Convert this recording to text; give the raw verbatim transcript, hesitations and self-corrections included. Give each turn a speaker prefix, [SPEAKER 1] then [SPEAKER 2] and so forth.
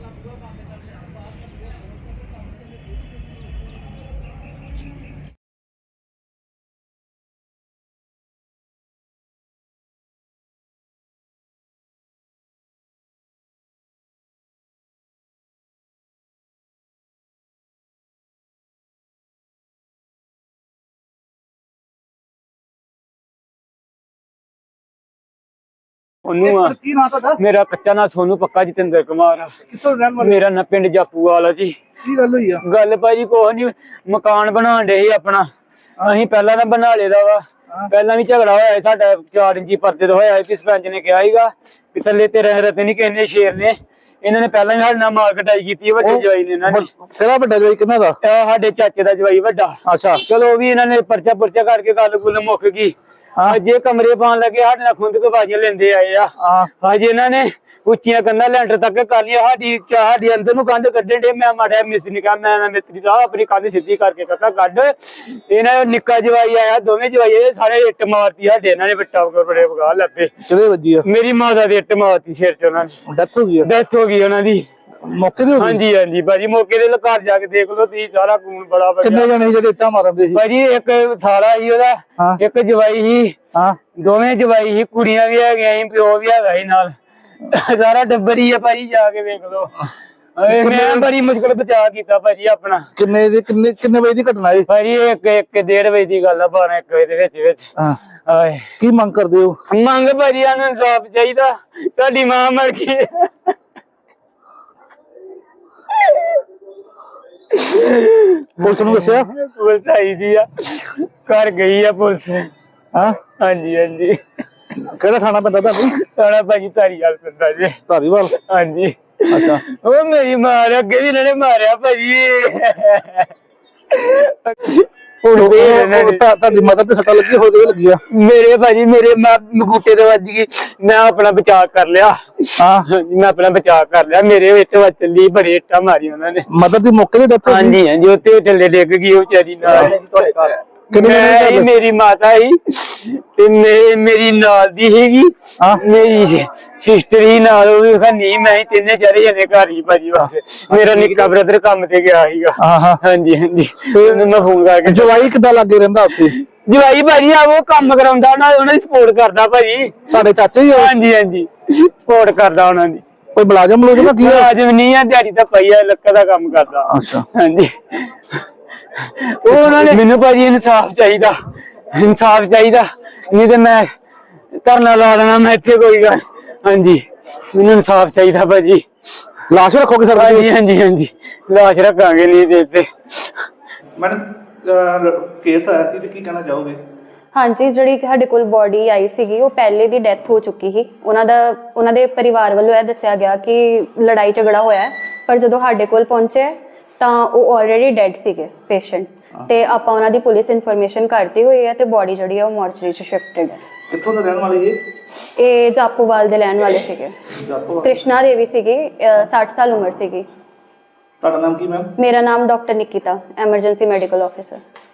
[SPEAKER 1] ਉਹਨੂੰ ਕੀ ਨਾਂ ਤੁਹਾਡਾ? ਮੇਰਾ ਕੱਚਾ ਨਾਂ ਸੋਨੂ, ਪੱਕਾ ਜਤਿੰਦਰ ਕੁਮਾਰ ਆ। ਕਿੱਥੋਂ ਰਹਿਣ ਵਾਲੇ? ਮੇਰਾ ਨਾ ਪਿੰਡ ਜਾਪੂਵਾਲ ਆ ਜੀ। ਕੀ ਗੱਲ ਹੋਈ ਆ? ਗੱਲ ਭਾਜੀ ਕੁਛ ਨੀ, ਮਕਾਨ ਬਣਾਉਣ ਡੇ ਸੀ ਆਪਣਾ। ਅਸੀਂ ਪਹਿਲਾਂ ਤਾਂ ਬਣਾ ਲੇਦਾ ਵਾ। ਪਹਿਲਾਂ ਵੀ ਝਗੜਾ ਹੋਇਆ ਸਾਡਾ ਚਾਰ ਇੰਚੀ ਪਰਦੇ ਤੋਂ ਹੋਇਆ ਸੀ। ਸਰਪੰਚ ਨੇ ਕਿਹਾ ਸੀਗਾ ਕਿ ਥੱਲੇ ਤੇਰੇ ਰਤੇ ਨੀ ਕਿਸੇ ਨੇ, ਸ਼ੇਰ ਨੇ। ਇਹਨਾਂ ਨੇ ਪਹਿਲਾਂ ਹੀ ਸਾਡੇ ਨਾਲ ਮਾਰ ਕਟਾਈ ਕੀਤੀ ਵੱਡੇ ਜਵਾਈ ਨੇ। ਇਹਨਾਂ ਨੇ ਕਿਹੜਾ ਵੱਡਾ ਜਵਾਈ? ਕਿਹਨਾਂ ਦਾ? ਸਾਡੇ ਚਾਚੇ ਦਾ ਜਵਾਈ ਵੱਡਾ। ਅੱਛਾ ਚਲੋ ਵੀ ਇਹਨਾਂ ਨੇ ਪਰਚਾ ਪੁਰਚਾ ਕਰਕੇ ਗੱਲ ਗੁੱਲ ਮੁੱਕ ਗਈ। ਜੇ ਕਮਰੇ ਪਾਉਣ ਲੱਗੇ ਸਾਡੇ ਨਾਲ ਖੁੰਦ ਕੇ ਬਾਜੀਆਂ ਲੈਂਦੇ ਆਏ ਆ। ਹਜੇ ਇਹਨਾਂ ਨੇ ਉੱਚੀਆਂ ਕੰਧਾਂ ਲੈਂਟਰ ਤੱਕ ਕਰ ਲਿਆ। ਸਾਡੀ ਸਾਡੀ ਅੰਦਰ ਨੂੰ ਕੰਧ ਕੱਢਣ ਡੇ। ਮੈਂ ਮਾੜਾ ਮਿਸਤਰੀ ਨੇ ਕਿਹਾ, ਮੈਂ ਮਿਸਤਰੀ ਸਾਹਿਬ ਆਪਣੀ ਕੰਧ ਸਿੱਧੀ ਕਰਕੇ ਕਾਕਾ ਕੱਢ। ਇਹਨਾਂ ਨਿੱਕਾ ਜਵਾਈ ਆਇਆ, ਦੋਵੇਂ ਜਵਾਈ ਆਏ, ਸਾਰੇ ਇੱਟ ਮਾਰਤੀ ਸਾਡੇ। ਇਹਨਾਂ ਨੇ ਬੱਟਾ ਬੜੇ ਵਗਾ ਲੱਭੇ। ਕਿਹਦੇ ਵੱਜੀ ਆ? ਮੇਰੀ ਮਾਤਾ ਦੀ ਇੱਟ ਮਾਰਤੀ ਸਿਰ ਚ। ਉਹਨਾਂ ਨੇ ਡੈਥ ਹੋ ਗਈ? ਡੈਥ ਹੋ ਗਈ ਉਹਨਾਂ ਦੀ ਮੌਕੇ ਤੇ। ਹਾਂਜੀ ਹਾਂਜੀ ਭਾਜੀ, ਮੌਕੇ ਦੇ ਘਰ ਜਾ ਕੇ ਦੇਖ ਲਓ ਤੁਸੀਂ, ਸਾਰਾ ਖੂਨ ਬੜਾ। ਕਿੰਨੇ ਜਣੇ ਜਿਹੜੇ ਇੱਟਾਂ ਮਾਰਦੇ ਸੀ? ਭਾਜੀ ਇੱਕ ਸਾਲਾ ਸੀ ਉਹਦਾ, ਇੱਕ ਜਵਾਈ ਸੀ, ਦੋਵੇਂ ਜਵਾਈ ਸੀ, ਕੁੜੀਆਂ ਵੀ ਹੈਗੀਆਂ ਸੀ, ਪਿਓ ਵੀ ਹੈਗਾ ਸੀ ਨਾਲ, ਸਾਰਾ ਟੱਬਰ ਹੀ ਆ ਭਾਜੀ। ਜਾ ਕੇ ਵੇਖ ਲਓ। ਮੈਂ ਬੜੀ ਮੁਸ਼ਕਲ ਬਚਾ ਕੀਤਾ ਭਾਜੀ ਆਪਣਾ। ਕਿੰਨੇ ਦੀ ਕਿੰਨੇ ਕਿੰਨੇ ਵਜੇ ਦੀ ਘਟਨਾ ਹੈ ਭਾਜੀ? ਇੱਕ ਇੱਕ ਡੇਢ ਵਜੇ ਦੀ ਗੱਲ ਆ, ਬਾਰਾਂ ਇੱਕ ਵਜੇ ਦੇ ਵਿੱਚ ਵਿੱਚ। ਕੀ ਮੰਗ ਕਰਦੇ ਹੋ? ਮੰਗ ਭਾਜੀ ਸਾਨੂੰ ਇਨਸਾਫ ਚਾਹੀਦਾ। ਸਾਡੀ ਮਾਂ ਮਰ ਗਈ। ਪੁਲਿਸ ਨੂੰ ਦੱਸਿਆ? ਪੁਲਿਸ ਆਈ ਸੀ ਆ, ਘਰ ਗਈ ਆ ਪੁਲਿਸ। ਹਾਂ ਹਾਂਜੀ ਹਾਂਜੀ। ਕਿਹੜਾ ਥਾਣਾ ਪੈਂਦਾ ਤੁਹਾਨੂੰ? ਥਾਣਾ ਭਾਜੀ ਧਾਰੀਵਾਲ ਪੈਂਦਾ ਜੀ। ਧਾਰੀਵਾਲ? ਹਾਂਜੀ। ਅੱਛਾ। ਉਹ ਮੇਰੀ ਮਾਂ ਅੱਗੇ ਵੀ ਇਹਨਾਂ ਨੇ ਮਾਰਿਆ ਭਾਜੀ। ਤੁਹਾਡੀ ਮਦਰ ਤੇ ਸੱਟਾਂ ਲੱਗੀ? ਹੋਰ ਲੱਗੀ ਆ? ਮੇਰੇ ਭਾਜੀ ਮੇਰੇ ਮਗੂਟੇ ਤੇ ਵੱਜ ਗਈ। ਮੈਂ ਆਪਣਾ ਬਚਾਅ ਕਰ ਲਿਆ। ਹਾਂ ਮੈਂ ਆਪਣਾ ਬਚਾਅ ਕਰ ਲਿਆ। ਮੇਰੇ ਇੱਟ ਵੱਜ ਚੱਲੀ, ਬੜੇ ਇੱਟਾਂ ਮਾਰੀ ਉਹਨਾਂ ਨੇ। ਮਦਰ ਦੀ ਮੌਕੇ ਤੇ ਡੈਥ? ਹਾਂਜੀ ਹਾਂਜੀ, ਉੱਤੇ ਥੱਲੇ ਡਿੱਗ ਗਈ ਉਹ ਵਿਚਾਰੀ ਨਾਲ। ਮੈਂ ਮੇਰੀ ਮਾਤਾ ਹੀ ਤੇ ਮੇਰੀ ਨਾਲ ਦੀ ਸੀਗੀ, ਮੇਰੀ ਸਿਸਟਰ ਹੀ ਨਾਲ, ਉਹ ਵੀ ਨਹੀਂ। ਮੈਂ ਹੀ ਤਿੰਨੇ ਚਾਰੇ ਜਣੇ ਘਰ ਹੀ ਭਾਜੀ। ਬਸ ਮੇਰਾ ਨਿੱਕਾ ਬ੍ਰਦਰ ਕੰਮ ਤੇ ਗਿਆ ਸੀਗਾ। ਹਾਂਜੀ ਹਾਂਜੀ। ਮੈਂ ਫੋਨ ਕਰਕੇ। ਜਵਾਈ ਕਿੱਦਾਂ ਲੱਗੇ ਰਹਿੰਦਾ ਉੱਥੇ? ਜਵਾਈ ਭਾਜੀ ਆ ਉਹ ਕੰਮ ਕਰਾਉਂਦਾ, ਉਹਨਾਂ ਦੀ ਸਪੋਰਟ ਕਰਦਾ ਭਾਜੀ। ਸਾਡੇ ਚਾਚੇ ਹੀ? ਹਾਂਜੀ ਹਾਂਜੀ, ਸਪੋਰਟ ਕਰਦਾ ਉਹਨਾਂ ਦੀ। ਕੋਈ ਮੁਲਾਜ਼ਮ ਮੁਲਾਜ਼ਮ? ਕੀ ਮੁਲਾਜ਼ਮ ਨਹੀਂ ਆ, ਦਿਹਾੜੀ ਤਾਂ ਪਈ ਆ, ਲੱਕੜ ਦਾ ਕੰਮ ਕਰਦਾ। ਅੱਛਾ ਹਾਂਜੀ। ਉਹ ਉਹਨਾਂ ਨੇ ਮੈਨੂੰ ਭਾਜੀ ਇਨਸਾਫ ਚਾਹੀਦਾ, ਇਨਸਾਫ ਚਾਹੀਦਾ, ਨਹੀਂ ਤੇ ਮੈਂ ਧਰਨਾ ਲਾ ਦੇਣਾ ਮੈਂ ਇੱਥੇ ਕੋਈ ਗੱਲ। ਹਾਂਜੀ ਮੈਨੂੰ ਇਨਸਾਫ ਚਾਹੀਦਾ ਭਾਜੀ। ਲਾਸ਼ ਰੱਖੋਗੇ ਸਰ? ਹਾਂਜੀ ਹਾਂਜੀ ਹਾਂਜੀ, ਲਾਸ਼ ਰੱਖਾਂਗੇ। ਨਹੀਂ ਤੇ ਇੱਥੇ ਮੈਡਮ ਕੇਸ ਆਇਆ ਸੀ ਤੇ ਕੀ ਕਹਿਣਾ ਚਾਹੋਗੇ?
[SPEAKER 2] ਹਾਂਜੀ, ਜਿਹੜੀ ਸਾਡੇ ਕੋਲ ਬੋਡੀ ਆਈ ਸੀਗੀ ਉਹ ਪਹਿਲੇ ਦੀ ਡੈਥ ਹੋ ਚੁੱਕੀ ਸੀ। ਉਹਨਾਂ ਦਾ ਉਹਨਾਂ ਦੇ ਪਰਿਵਾਰ ਵੱਲੋਂ ਇਹ ਦੱਸਿਆ ਗਿਆ ਕਿ ਲੜਾਈ ਝਗੜਾ ਹੋਇਆ, ਪਰ ਜਦੋਂ ਸਾਡੇ ਕੋਲ ਪਹੁੰਚੇ ਤਾਂ ਉਹ ਆਲਰੇਡੀ ਡੈਡ ਸੀਗੇ ਪੇਸ਼ੈਂਟ। ਤੇ ਆਪਾਂ ਉਹਨਾਂ ਦੀ ਪੁਲਿਸ ਇਨਫੋਰਮੇਸ਼ਨ ਕਰਤੀ ਹੋਈ ਹੈ ਤੇ ਬੋਡੀ ਜਿਹੜੀ ਹੈ ਉਹ ਮੋਰਚਰੀ ਚ ਸ਼ਿਫਟਡ ਹੈ।
[SPEAKER 1] ਕਿੱਥੋਂ ਦੇ ਰਹਿਣ ਵਾਲੇ ਜੀ?
[SPEAKER 2] ਇਹ ਜਾਪੂਵਾਲ ਦੇ ਰਹਿਣ ਵਾਲੇ ਸੀਗੇ। ਕ੍ਰਿਸ਼ਨਾ ਦੇਵੀ ਸੀਗੀ, ਸੱਠ ਸਾਲ ਉਮਰ ਸੀਗੀ।
[SPEAKER 1] ਤੁਹਾਡਾ ਨਾਮ ਕੀ ਮੈਮ?
[SPEAKER 2] ਮੇਰਾ ਨਾਮ doctor Nikita, emergency medical officer.